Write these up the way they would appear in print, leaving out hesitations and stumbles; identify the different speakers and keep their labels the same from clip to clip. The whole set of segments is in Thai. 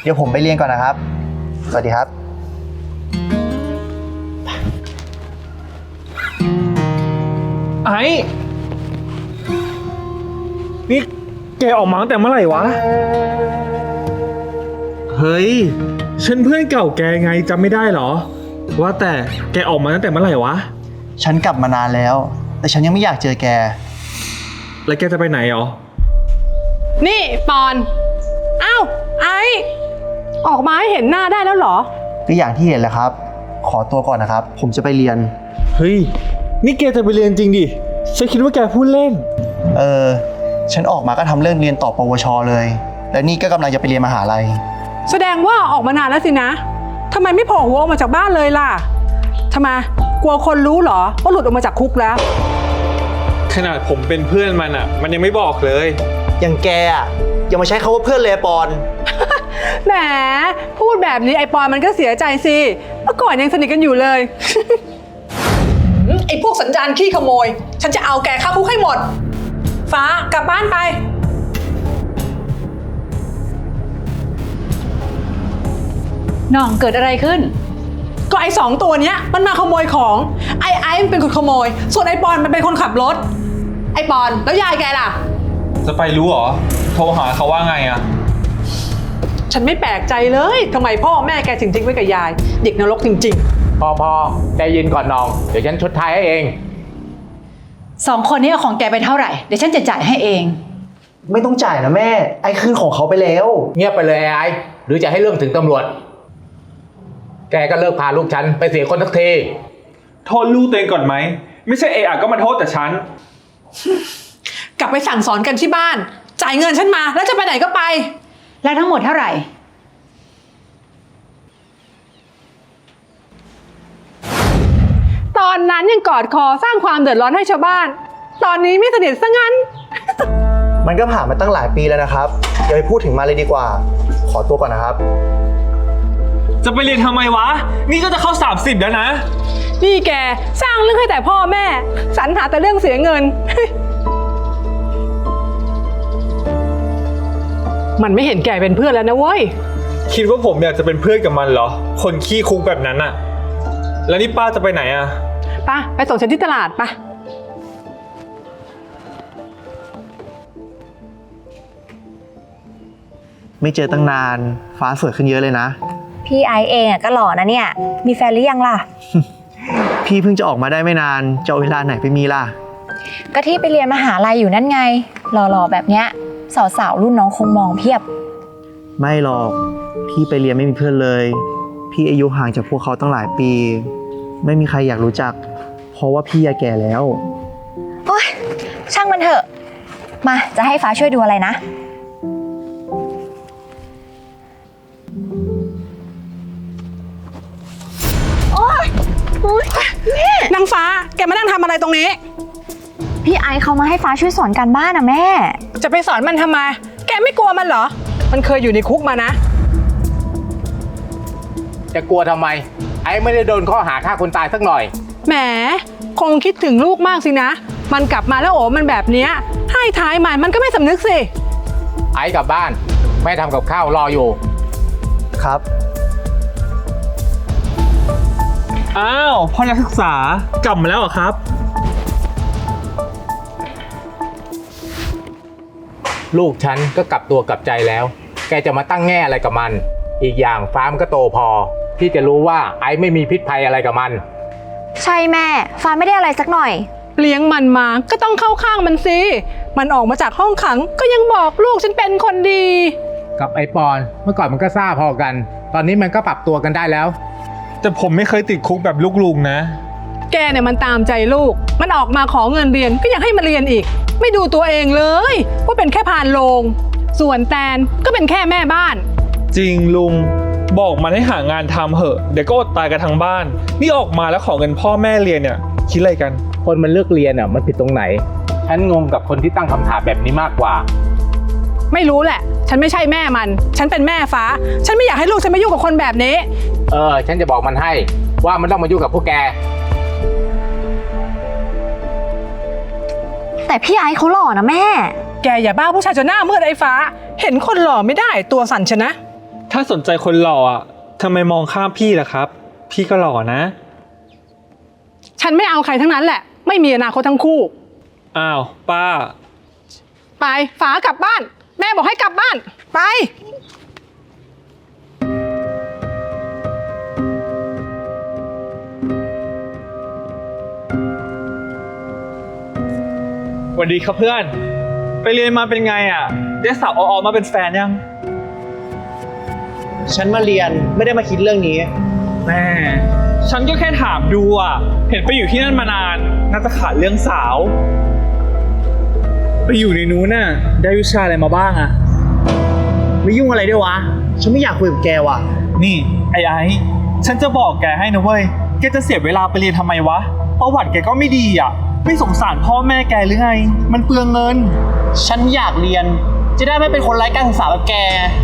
Speaker 1: ดี๋ยวผมไปเรียนก่อนนะครับ สวัสดีครับ
Speaker 2: ไอ้นี่แกออกมาตั้งแต่เมื่อไหร่วะ เฮ้ย ฉันเพื่อนเก่าแกไงจำไม่ได้เหรอ ว่าแต่แกออกมาตั้งแต่เมื่อไหร่วะ
Speaker 1: ฉันกลับมานานแล้ว แต่ฉันยังไม่อยากเจอแก
Speaker 2: แล้วแกจะไปไหนหรอ
Speaker 3: นี่ปอนอ้าวไอออกมาให้เห็นหน้าได้แล้วเหรอ
Speaker 1: ก็อย่างที่เห็นแหละครับ ขอตัวก่อนนะครับ ผมจะไปเรียน
Speaker 2: เฮ้ย นี่แกจะไปเรียนจริงดิ ฉันคิดว่าแกพูดเล่น
Speaker 1: ฉันออกมาก็ทำเรื่องเรียนต่อปวชเลย และนี่ก็กำลังจะไปเรียนมหาลัย
Speaker 3: แสดงว่าออกมานานแล้วสินะทำไมไม่โผล่หัวออกมาจากบ้านเลยล่ะทำไมกลัวคนรู้เหรอว่าหลุดออกมาจากคุกแล้ว
Speaker 2: ขนาดผมเป็นเพื่อนมันอ่ะ มันยังไม่บอกเลย
Speaker 1: อย่างแกอ่ะอย่ามาใช้คำว่าเพื่อนเลยปอน
Speaker 3: แหมพูดแบบนี้ไอปอนมันก็เสียใจสิเมื่อก่อนยังสนิทกันอยู่เลย ไอพวกสัญญาณขี้ขโมยฉันจะเอาแกเข้าคุกให้หมดฟ้ากลับบ้านไป
Speaker 4: น้องเกิดอะไรขึ้น
Speaker 3: ก็ไอ้2 ตัวเนี้ยมันมาขโมยของไอ้มันเป็นคนขโมยส่วนไอ้ปอนมันเป็นคนขับรถไอ้ปอนแล้วยายแกล่ะ
Speaker 2: จะไปรู้เหรอ โทรหาเขาว่าไงอ่ะ
Speaker 3: ฉันไม่แปลกใจเลยทำไมพ่อแม่แกถึงทิ้งไว้กับยายเด็กนรกจริง
Speaker 5: พอใจเย็นก่อนน้อง เดี๋ยวฉันชดใช้ให้เอง
Speaker 4: 2 คนนี้เอาของแกไปเท่าไหร่ เดี๋ยวฉันจะจ่ายให้เอง
Speaker 1: ไม่ต้องจ่ายนะแม่ ไอ้คืนของเขาไปแล้ว
Speaker 5: เงียบไปเลยไอ้หรือจะให้เรื่องถึงตำรวจ แกก็เลิกพาลูกฉันไปเสียคนสักที
Speaker 2: โทษลูกตัวเองก่อนไหม ไม่ใช่เอะก็มาโทษแต่ฉัน
Speaker 3: ๆ กลับไปสั่งสอนกันที่บ้านจ่ายเงินฉันมาแล้วจะไปไหนก็ไป
Speaker 4: แล้วทั้งหมดเท่าไหร่
Speaker 3: ตอนนั้นยังกอดคอสร้างความเดือดร้อนให้ชาวบ้าน ตอนนี้ไม่สนิทซะงั้น
Speaker 1: มันก็ผ่านมาตั้งหลายปีแล้วนะครับอย่าไปพูดถึงมาเลยดีกว่า ขอตัวก่อนนะครับ
Speaker 2: จะไปเรียนทำไมวะ นี่ก็จะเข้า30แล้วนะ
Speaker 3: นี่แกสร้างเรื่องให้แต่พ่อแม่สรรหาแต่เรื่องเสียเงิน มันไม่เห็นแกเป็นเพื่อนแล้วนะเว้ย
Speaker 2: คิดว่าผมอยากจะเป็นเพื่อนกับมันเหรอ คนขี้คุกแบบนั้นอะแล้วนี่ป้าจะไปไหนอะ
Speaker 3: ไปส่งฉันที่ตลาดปะ
Speaker 1: ไม่เจอตั้งนาน ฟ้าสวยขึ้นเยอะเลยนะ
Speaker 6: พี่ไอซ์เองอะก็หล่อนะเนี่ย มีแฟนหรือยังล่ะ
Speaker 1: พี่เพิ่งจะออกมาได้ไม่นาน จะเอาเวลาไหนไปมีล่ะ
Speaker 6: ก็ที่ไปเรียนมหาลัยอยู่นั่นไง หล่อๆแบบเนี้ยสาวๆรุ่นน้องคงมองเพียบ
Speaker 1: ไม่หรอก พี่ไปเรียนไม่มีเพื่อนเลย พี่อายุห่างจากพวกเขาตั้งหลายปี ไม่มีใครอยากรู้จัก เพราะว่าพี่แก่แล้ว
Speaker 6: โอ๊ย ช่างมันเถอะ มาจะให้ฟ้าช่วยดูอะไรนะ
Speaker 3: นางฟ้าแกมานั่งทำอะไรตรงนี้
Speaker 6: พี่ไอซ์เขามาให้ฟ้าช่วยสอนการบ้านนะแม่
Speaker 3: จะไปสอนมันทำไม แกไม่กลัวมันเหรอ มันเคยอยู่ในคุกมานะ
Speaker 5: จะกลัวทำไม ไอ้ไม่ได้โดนข้อหาฆ่าคนตายสักหน่อย
Speaker 3: แหม คงคิดถึงลูกมากสินะ มันกลับมาแล้วโอ้มันแบบเนี้ยให้ท้ายมันก็ไม่สำนึกสิ
Speaker 5: ไอ้กลับบ้าน แม่ทำกับข้าวรออยู่
Speaker 1: ครับ
Speaker 2: อ้าว พ่อนักศึกษากลับมาแล้วเหรอครับ
Speaker 5: ลูกฉันก็กลับตัวกลับใจแล้ว แกจะมาตั้งแง่อะไรกับมัน อีกอย่างฟ้ามันก็โตพอ ที่จะรู้ว่าไอ้ไม่มีพิษภัยอะไรกับมัน
Speaker 6: ใช่แม่ ฟ้าไม่ได้อะไรสักหน่อย
Speaker 3: เลี้ยงมันมาก็ต้องเข้าข้างมันสิ มันออกมาจากห้องขังก็ยังบอกลูกฉันเป็นคนดี
Speaker 5: กับไอ้ปอนเมื่อก่อนมันก็ซ่าพอกัน ตอนนี้มันก็ปรับตัวกันได้แล้ว
Speaker 2: แต่ผมไม่เคยติดคุกแบบลูกลุงนะ
Speaker 3: แกเนี่ยมันตามใจลูก มันออกมาขอเงินเรียนก็ยังให้มันเรียนอีก ไม่ดูตัวเองเลยว่าเป็นแค่พานโรงส่วนแตนก็เป็นแค่แม่บ้าน
Speaker 2: จริงลุง บอกมันให้หางานทำเหอะ เดี๋ยวก็อดตายกันทั้งบ้าน นี่ออกมาแล้วขอเงินพ่อแม่เรียนเนี่ย คิดอะไรกัน
Speaker 5: คนมันเลือกเรียนอ่ะมันผิดตรงไหน ฉันงงกับคนที่ตั้งคำถามแบบนี้มากกว่า
Speaker 3: ไม่รู้แหละ ฉันไม่ใช่แม่มัน ฉันเป็นแม่ฟ้า ฉันไม่อยากให้ลูกฉันมายุ่งกับคนแบบนี้
Speaker 5: ฉันจะบอกมันให้ว่ามันต้องมายุ่งกับพวกแก
Speaker 6: แต่พี่ไอซ์เขาหล่อนะแม่
Speaker 3: แกอย่าบ้าผู้ชายจนหน้ามืดไอ้ฟ้า เห็นคนหล่อไม่ได้ตัวสั่นชนะ
Speaker 2: ถ้าสนใจคนหล่ออ่ะทำไมมองข้ามพี่ล่ะครับ พี่ก็หล่อนะ
Speaker 3: ฉันไม่เอาใครทั้งนั้นแหละ ไม่มีอนาคตทั้งคู่
Speaker 2: อ้าวป้า
Speaker 3: ไปฝากลับบ้าน แม่บอกให้กลับบ้าน ไป
Speaker 2: สวัสดีครับเพื่อน ไปเรียนมาเป็นไงอ่ะ ได้สาวออมาเป็นแฟนยัง
Speaker 1: ฉันมาเรียนไม่ได้มาคิดเรื่องนี้
Speaker 2: แม่ฉันก็แค่ถามดูอ่ะ เห็นไปอยู่ที่นั่นมานาน น่าจะขาดเรื่องสาว ไปอยู่ในนู้นน่ะ ได้วิชาอะไรมาบ้างอ่ะ
Speaker 1: ไม่ยุ่งอะไรด้วยวะ ฉันไม่อยากคุยกับแกว่ะ
Speaker 2: นี่ไอ้ฉันจะบอกแกให้นะเว้ย แกจะเสียเวลาไปเรียนทำไมวะ ประวัติแกก็ไม่ดีอ่ะ ไม่สงสารพ่อแม่แกหรือไง มันเปลืองเงิน
Speaker 1: ฉันอยากเรียน จะได้ไม่เป็นคนไร้การศึกษาแบบแก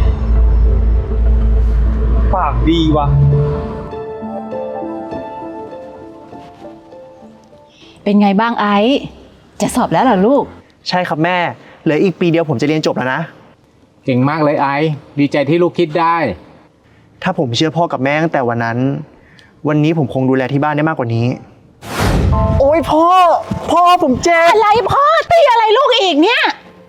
Speaker 2: ปากดีวะ
Speaker 4: เป็นไงบ้างไอซ์จะสอบแล้วเหรอลูก
Speaker 1: ใช่ครับแม่ เหลืออีกปีเดียวผมจะเรียนจบแล้วนะ
Speaker 5: เก่งมากเลยไอซ์ดีใจที่ลูกคิดได้
Speaker 1: ถ้าผมเชื่อพ่อกับแม่ตั้งแต่วันนั้น วันนี้ผมคงดูแลที่บ้านได้มากกว่านี้ โอ้ยพ่อผมเจ็บ
Speaker 4: อะไรพ่อตีอะไรลูกอีกเนี่ย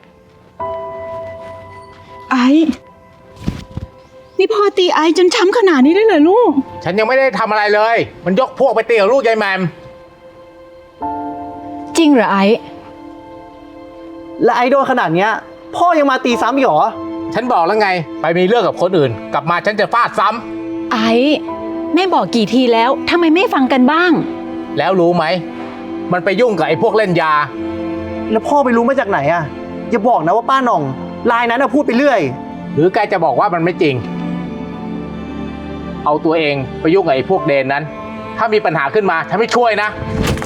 Speaker 7: ไอ้นี่พ่อตีไอ้จนช้ำขนาดนี้ได้เลยลูก
Speaker 5: ฉันยังไม่ได้ทำอะไรเลย มันยกพวกไปตีกับลูกยายแหมม
Speaker 4: จริงเหรอไอซ์
Speaker 1: และไอดอลขนาดเนี้ย พ่อยังมาตีซ้ำอีกเหรอ
Speaker 5: ฉันบอกแล้วไง ไปมีเรื่องกับคนอื่น กลับมาฉันจะฟาดซ้ำ
Speaker 4: ไอซ์แม่บอกกี่ทีแล้วทำไมไม่ฟังกันบ้าง
Speaker 5: แล้วรู้ไหม มันไปยุ่งกับไอ้พวกเล่นยา
Speaker 1: แล้วพ่อไปรู้มาจากไหนอ่ะ อย่าบอกนะว่าป้าหน่องลายนั้นอะพูดไปเรื่อย
Speaker 5: หรือแกจะบอกว่ามันไม่จริง เอาตัวเองไปยุ่งกับไอ้พวกเดนนั้น ถ้ามีปัญหาขึ้นมาฉันไม่ช่วยนะ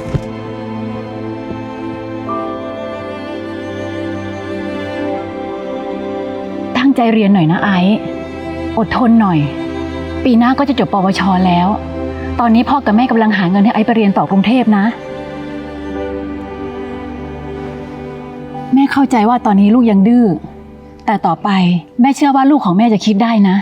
Speaker 4: ตั้งใจเรียนหน่อยนะไอซ์อดทนหน่อย ปีหน้าก็จะจบปวชแล้ว ตอนนี้พ่อกับแม่กำลังหาเงินให้ไอซ์ไปเรียนต่อกรุงเทพนะ แม่เข้าใจว่าตอนนี้ลูกยังดื้อ แต่ต่อไปแม่เชื่อว่าลูกของแม่จะคิดได้นะ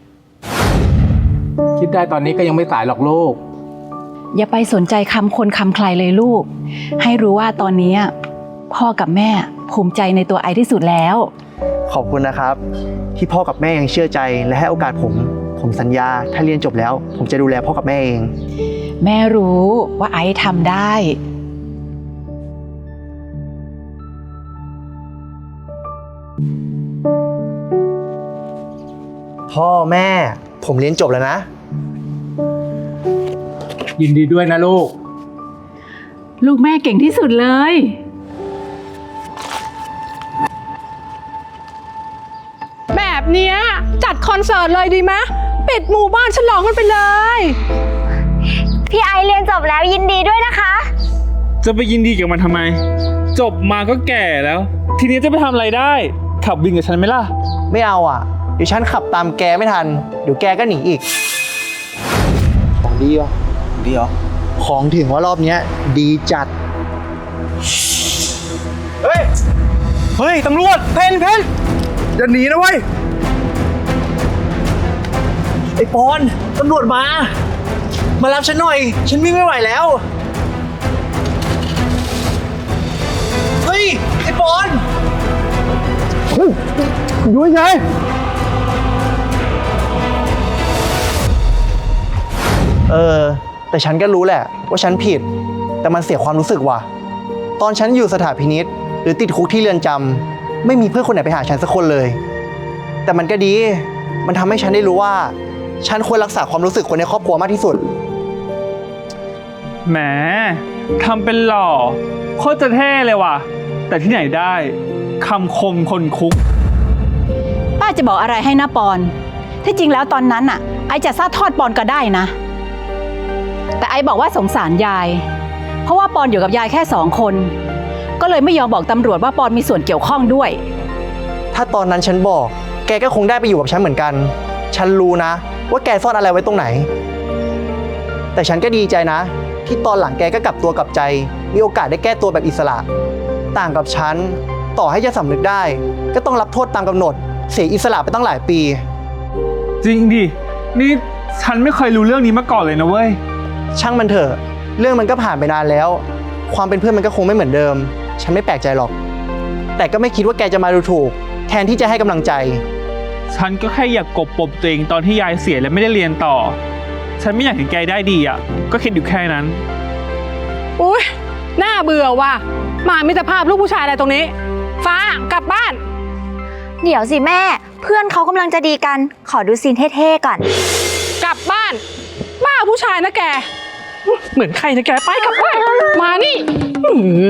Speaker 5: คิดได้ตอนนี้ก็ยังไม่สายหรอกลูก
Speaker 4: อย่าไปสนใจคำคนคำใครเลยลูก ให้รู้ว่าตอนนี้พ่อกับแม่ภูมิใจในตัวไอซ์ที่สุดแล้ว
Speaker 1: ขอบคุณนะครับ ที่พ่อกับแม่ยังเชื่อใจและให้โอกาสผมสัญญาถ้าเรียนจบแล้ว ผมจะดูแลพ่อกับแม่เอง
Speaker 4: แม่รู้ว่าไอซ์ทำได้
Speaker 1: พ่อแม่ ผมเรียนจบแล้วนะ
Speaker 5: ยินดีด้วยนะลูก
Speaker 4: ลูกแม่เก่งที่สุดเลย
Speaker 3: แบบเนี้ยจัดคอนเสิร์ตเลยดีไหมปิดหมู่บ้านฉลองกันไปเลย
Speaker 6: พี่ไอเรียนจบแล้วยินดีด้วยนะคะ
Speaker 2: จะไปยินดีกับมันทำไม จบมาก็แก่แล้ว ทีนี้จะไปทำอะไรได้ ขับวินกับฉันไหมล่ะ
Speaker 1: ไม่เอาอ่ะ เดี๋ยวฉันขับตามแกไม่ทัน เดี๋ยวแกก็หนีอีก ของดีเหรอดีเหรอ ของถึงว่ารอบเนี้ย ดีจัด เฮ้ย ตำรวจ เพนอย่าหนีนะเว้ย ไอ้ปอน ตำรวจมา มารับฉันหน่อย ฉันวิ่งไม่ไหวแล้ว เฮ้ย ไอ้ปอนอยู่ไงแต่ฉันก็รู้แหละว่าฉันผิด แต่มันเสียความรู้สึกว่ะ ตอนฉันอยู่สถานพินิจหรือติดคุกที่เรือนจำไม่มีเพื่อนคนไหนไปหาฉันสักคนเลย แต่มันก็ดี มันทำให้ฉันได้รู้ว่า ฉันควรรักษาความรู้สึกคนในครอบครัวมากที่สุด
Speaker 2: แหมทำเป็นหล่อโคตรจะเท่เลยว่ะ แต่ที่ไหนได้คำคมคนคุก
Speaker 4: ป้าจะบอกอะไรให้นะปอน ที่จริงแล้วตอนนั้นน่ะไอจะซาทอดปอนก็ได้นะ แต่ไอบอกว่าสงสารยาย เพราะว่าปอนอยู่กับยายแค่2 คน ก็เลยไม่ยอมบอกตำรวจว่าปอนมีส่วนเกี่ยวข้องด้วย
Speaker 1: ถ้าตอนนั้นฉันบอก แกก็คงได้ไปอยู่กับฉันเหมือนกัน ฉันรู้นะว่าแกซ่อนอะไรไว้ตรงไหน แต่ฉันก็ดีใจนะ ที่ตอนหลังแกก็กลับตัวกลับใจ มีโอกาสได้แก้ตัวแบบอิสระ ต่างกับฉัน ต่อให้จะสำนึกได้ ก็ต้องรับโทษตามกำหนด เสียอิสระไปตั้งหลายปี
Speaker 2: จริงดิ นี่ฉันไม่เคยรู้เรื่องนี้มาก่อนเลยนะเว้ย
Speaker 1: ช่างมันเถอะ เรื่องมันก็ผ่านไปนานแล้ว ความเป็นเพื่อนมันก็คงไม่เหมือนเดิม ฉันไม่แปลกใจหรอก แต่ก็ไม่คิดว่าแกจะมาดูถูก แทนที่จะให้กำลังใจ
Speaker 2: ฉันก็แค่อยากกบปมตัวเองตอนที่ยายเสียและไม่ได้เรียนต่อ ฉันไม่อยากเห็นแกได้ดีอ่ะ ก็คิดอยู่แค่นั้น
Speaker 3: อุ้ยน่าเบื่อว่ะมามิตรภาพลูกผู้ชายอะไรตรงนี้ ฟ้ากลับบ้าน
Speaker 6: เดี๋ยวสิแม่ เพื่อนเขากำลังจะดีกัน ขอดูซีนเท่ๆก่อน
Speaker 3: กลับบ้าน บ้าผู้ชายนะแก เหมือนใครนะแกไปกลับบ้านมานี่อื้อหือ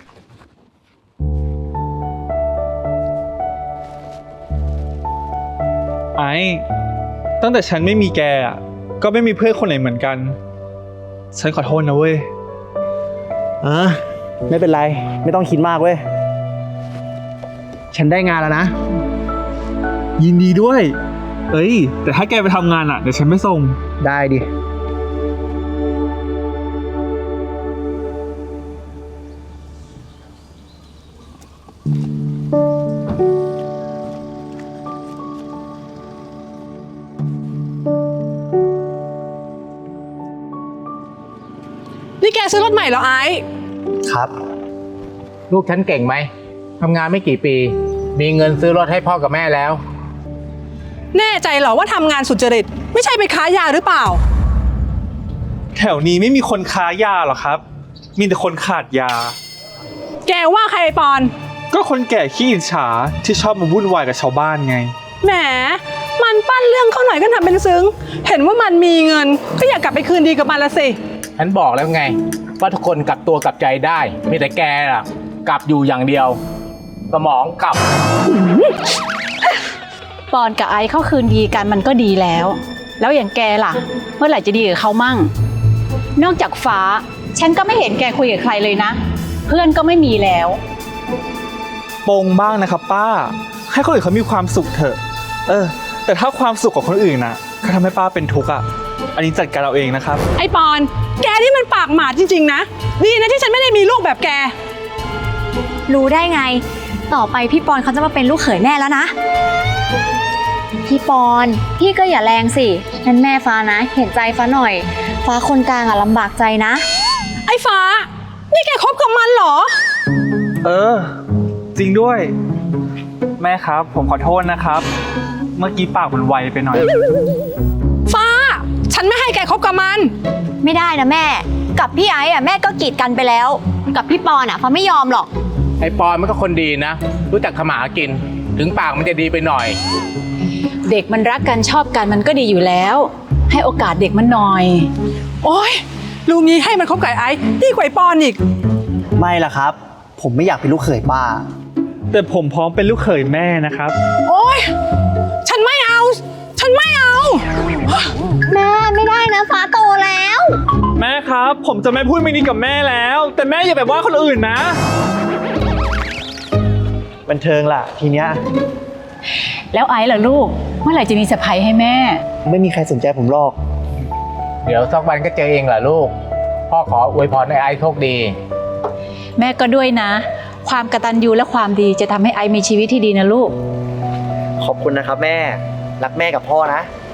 Speaker 2: ไอ้ตั้งแต่ฉันไม่มีแกอ่ะ ก็ไม่มีเพื่อนคนไหนเหมือนกัน ฉันขอโทษนะเว้ย
Speaker 1: ไม่เป็นไร ไม่ต้องคิดมากเว้ย ฉันได้งานแล้วนะ
Speaker 2: ยินดีด้วย เอ้ย แต่ถ้าแกไปทำงานอ่ะ เดี๋ยวฉันไม่ส่ง
Speaker 1: ได้ดิ
Speaker 3: นี่แกซื้อรถใหม่เหรอไอ้
Speaker 1: ครับ
Speaker 5: ลูกฉันเก่งไหมทำงานไม่กี่ปี มีเงินซื้อรถให้พ่อกับแม่แล้ว
Speaker 3: แน่ใจเหรอว่าทำงานสุจริต ไม่ใช่ไปค้ายาหรือเปล่า
Speaker 2: แถวนี้ไม่มีคนค้ายาหรอกครับ มีแต่คนขาดยา
Speaker 3: แกว่าใครไอ้ปอน
Speaker 2: ก็คนแก่ขี้อิจฉาที่ชอบมาวุ่นวายกับชาวบ้านไง
Speaker 3: แหม มันปั้นเรื่องเขาหน่อยก็ทำเป็นซึ้ง เห็นว่ามันมีเงิน ก็อยากกลับไปคืนดีกับมันละสิ
Speaker 5: ฉันบอกแล้วไง ว่าทุกคนกลับตัวกลับใจได้ มีแต่แกล่ะ กลับอยู่อย่างเดียว สมองกลับ
Speaker 4: ปอนกับไอซ์เข้าคืนดีกันมันก็ดีแล้ว แล้วอย่างแกล่ะ เมื่อไหร่จะดีกับเขามั่ง นอกจากฟ้า ฉันก็ไม่เห็นแกคุยกับใครเลยนะ เพื่อนก็ไม่มีแล้ว
Speaker 2: ปงบ้างนะครับป้า ให้คนอื่นเขามีความสุขเถอะ แต่ถ้าความสุขของคนอื่นน่ะก็ทำให้ป้าเป็นทุกข์อ่ะ อันนี้จัดการเราเองนะครับ
Speaker 3: ไอ้ปอน แกนี่มันปากหมาจริงๆนะ ดีนะที่ฉันไม่ได้มีลูกแบบแก
Speaker 6: รู้ได้ไง ต่อไปพี่ปอนเขาจะมาเป็นลูกเขยแม่แล้วนะ พี่ปอน พี่ก็อย่าแรงสินั่นแม่ฟ้านะ เห็นใจฟ้าหน่อย ฟ้าคนกลางอะลำบากใจนะ
Speaker 3: ไอ้ฟ้า นี่แกคบกับมันเหรอ
Speaker 2: จริงด้วย แม่ครับ ผมขอโทษนะครับ เมื่อกี้ปากมันไวไปหน่อย
Speaker 3: ฟ้า ฉันไม่ให้แกคบกับมัน
Speaker 6: ไม่ได้นะแม่ กับพี่ไอ้อะแม่ก็กีดกันไปแล้ว กับพี่ปอนอะฟ้าไม่ยอมหรอก
Speaker 5: ไอ้ปอนมันก็คนดีนะ รู้จักขมาหากิน ถึงปากมันจะดีไปหน่อย
Speaker 4: เด็กมันรักกันชอบกันมันก็ดีอยู่แล้ว ให้โอกาสเด็กมันหน่อย
Speaker 3: โอ๊ยลุงนี้ให้มันคบกับไอ้ดีกว่าไอ้ปอนอีก
Speaker 1: ไม่ล่ะครับ ผมไม่อยากเป็นลูกเขยป้า
Speaker 2: แต่ผมพร้อมเป็นลูกเขยแม่นะครับ
Speaker 3: โอ๊ย ฉันไม่เอา ฉันไม่เอา
Speaker 6: แม่ไม่ได้นะฟ้าโตแล้ว
Speaker 2: แม่ครับ ผมจะไม่พูดไม่ดีกับแม่แล้ว แต่แม่อย่าแบบว่าคนอื่นนะ
Speaker 1: บันเทิงล่ะ ทีเนี้ย
Speaker 4: แล้วไอซ์ล่ะลูก เมื่อไหร่จะมีเซอร์ไพรส์ให้แม่
Speaker 1: ไม่มีใครสนใจผมหรอก
Speaker 5: เดี๋ยวสักวันก็เจอเองแหละลูก พ่อขออวยพรให้ไอ้โชคดี
Speaker 4: แม่ก็ด้วยนะ ความกตัญญูและความดีจะทำให้ไอซ์มีชีวิตที่ดีนะลูก
Speaker 1: ขอบคุณนะครับแม่ รักแม่กับพ่อนะ